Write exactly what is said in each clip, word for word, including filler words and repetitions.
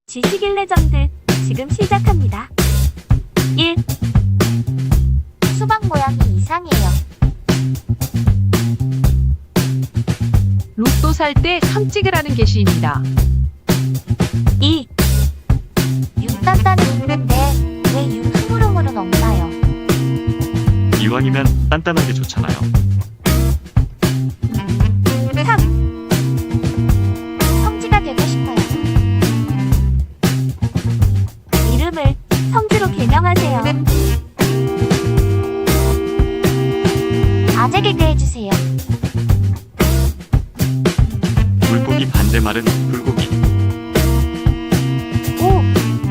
지식인 레전드 지금 시작합니다. 일. 수박 모양이 이상해요. 로또 살 때 삼 찍으라는 게시입니다. 이. 육 단단은 있는데 왜 육 흐물흐물은 없나요? 이왕이면 단단하게 좋잖아요. 삼. 성지가 되고 싶어요. 이름을 성지로 개명하세요. 아재 개그 해주세요. 물고기 반대말은 불고기. 오.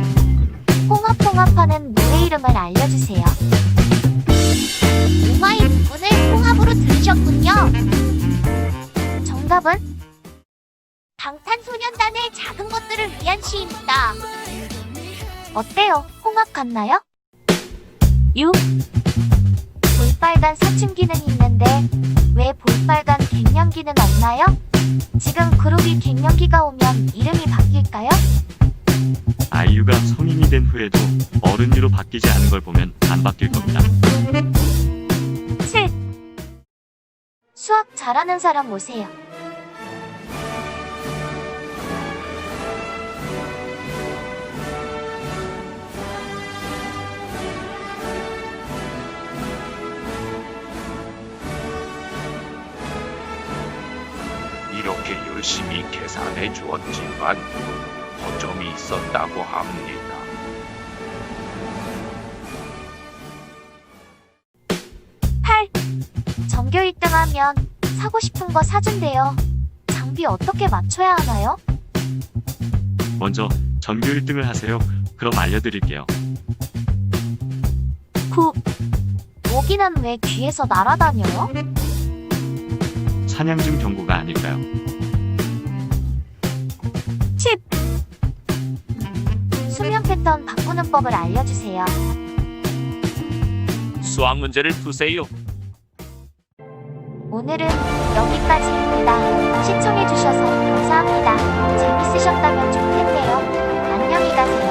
홍합홍합하는 노래 이름을 알려주세요. 우마이 부분을 홍합으로 들으셨군요. 정답은 방탄소년단의 작은 것들을 위한 시입니다. 어때요? 홍합 같나요? 육. 볼빨간 사춘기는 있는데 왜 볼빨간 갱년기는 없나요? 지금 그룹이 갱년기가 오면 이름이 바뀔까요? 아이유가 성인이 된 후에도 어른이로 바뀌지 않은 걸 보면 안 바뀔 겁니다. 칠. 수학 잘하는 사람 오세요. 이렇게 열심히 계산해 주었지만 허점이 있었다고 합니다. 팔. 전교 일 등 하면 사고 싶은 거 사준대요. 장비 어떻게 맞춰야 하나요? 먼저 전교 일 등을 하세요. 그럼 알려드릴게요. 구. 모기는 왜 귀에서 날아다녀요? 사냥 중 경고가 아닐까요? 십. 수면 패턴 바꾸는 법을 알려주세요. 수학 문제를 푸세요. 오늘은 여기까지입니다. 시청해주셔서 감사합니다. 재밌으셨다면 좋겠네요. 안녕히 가세요.